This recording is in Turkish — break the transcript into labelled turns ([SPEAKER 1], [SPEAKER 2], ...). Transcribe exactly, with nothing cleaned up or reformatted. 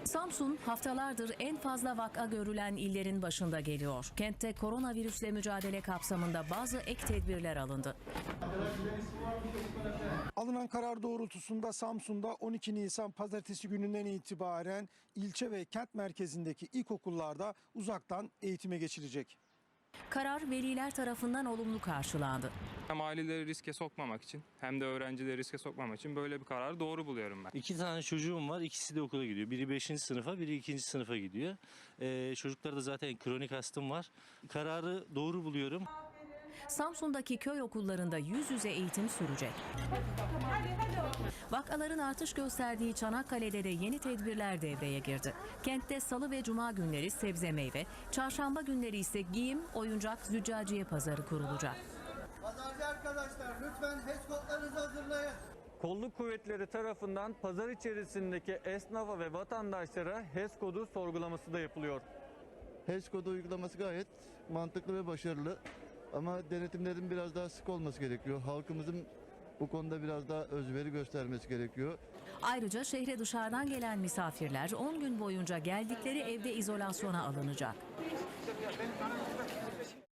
[SPEAKER 1] Samsun haftalardır en fazla vaka görülen illerin başında geliyor. Kentte koronavirüsle mücadele kapsamında bazı ek tedbirler alındı.
[SPEAKER 2] Alınan karar doğrultusunda Samsun'da on iki Nisan pazartesi gününden itibaren ilçe ve kent merkezindeki ilkokullarda uzaktan eğitime geçilecek.
[SPEAKER 1] Karar veliler tarafından olumlu karşılandı.
[SPEAKER 3] Hem aileleri riske sokmamak için hem de öğrencileri riske sokmamak için böyle bir kararı doğru buluyorum ben.
[SPEAKER 4] İki tane çocuğum var. İkisi de okula gidiyor. Biri beşinci sınıfa, biri ikinci sınıfa gidiyor. Ee, çocuklarda zaten kronik astım var. Kararı doğru buluyorum.
[SPEAKER 1] Samsun'daki köy okullarında yüz yüze eğitim sürecek. Vakaların artış gösterdiği Çanakkale'de de yeni tedbirler devreye girdi. Kentte salı ve cuma günleri sebze meyve, çarşamba günleri ise giyim, oyuncak, züccaciye pazarı kurulacak.
[SPEAKER 5] Pazarcı arkadaşlar lütfen H E S kodlarınızı hazırlayın.
[SPEAKER 6] Kolluk kuvvetleri tarafından pazar içerisindeki esnafa ve vatandaşlara H E S kodu sorgulaması da yapılıyor.
[SPEAKER 5] H E S kodu uygulaması gayet mantıklı ve başarılı. Ama denetimlerin biraz daha sık olması gerekiyor. Halkımızın bu konuda biraz daha özveri göstermesi gerekiyor.
[SPEAKER 1] Ayrıca şehre dışarıdan gelen misafirler on gün boyunca geldikleri evde izolasyona alınacak.